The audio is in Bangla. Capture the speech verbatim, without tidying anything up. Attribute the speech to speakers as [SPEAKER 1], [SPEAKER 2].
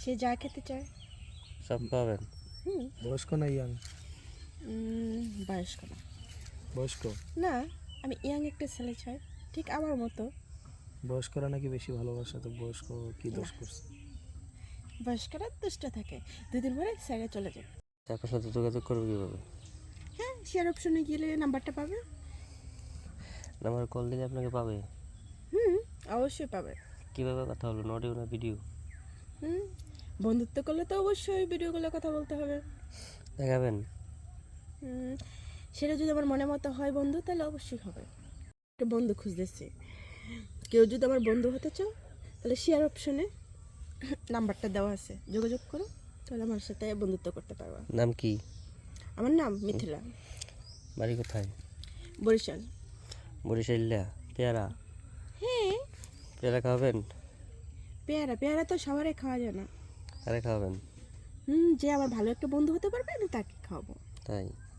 [SPEAKER 1] সে যা খেতে চায়
[SPEAKER 2] সব পাবেন।
[SPEAKER 1] হুম
[SPEAKER 3] বয়স্ক না ইয়াং?
[SPEAKER 1] উম, বয়স্ক না।
[SPEAKER 3] বয়স্ক?
[SPEAKER 1] না, আমি ইয়াং একটা ছেলে চাই, ঠিক আমার মতো।
[SPEAKER 3] বয়স্করা নাকি বেশি ভালোবাসে, তো বয়স্ক কি দোষ করছে?
[SPEAKER 1] বয়স্করা দুষ্ট থাকে, দুদিন পরে সাইডে চলে যায়।
[SPEAKER 2] আপনার সাথে যোগাযোগ করবো কীভাবে?
[SPEAKER 1] হ্যাঁ, শেয়ার অপশনে গেলে নাম্বারটা পাবে।
[SPEAKER 2] নাম্বার কল দিলে আপনাকে পাবে?
[SPEAKER 1] হুম, অবশ্যই পাবে।
[SPEAKER 2] কীভাবে কথা হলো, অডিও না ভিডিও?
[SPEAKER 1] হুম, বন্ধুত্ব করলে তো অবশ্যই ভিডিও কলে কথা বলতে হবে।
[SPEAKER 2] দেখাবেন?
[SPEAKER 1] হুম, সেটা যদি আমার মনে মতো হয় বন্ধু, তাহলে অবশ্যই হবে। একটা বন্ধু খুঁজতেছি, কেউ যদি আমার বন্ধু হতে চাও তাহলে শেয়ার অপশনে নাম্বারটা দেওয়া আছে, যোগাযোগ করো, তাহলে আমার সাথে বন্ধুত্ব করতে পারবা।
[SPEAKER 2] নাম কি?
[SPEAKER 1] আমার নাম মিথিলা।
[SPEAKER 2] বাড়ি কোথায়?
[SPEAKER 1] বরিশাল।
[SPEAKER 2] বরিশাল্লা? পেয়ারা?
[SPEAKER 1] হ্যাঁ,
[SPEAKER 2] পেয়ারা খাওয়াবেন?
[SPEAKER 1] পেয়ারা পেয়ারা তো সবারই খাওয়া যায় না।
[SPEAKER 2] কারে খাওয়াবেন?
[SPEAKER 1] হুম, যে আমার ভালো একটা বন্ধু হতে পারবে আমি তাকে খাওয়াবো।
[SPEAKER 2] তাই?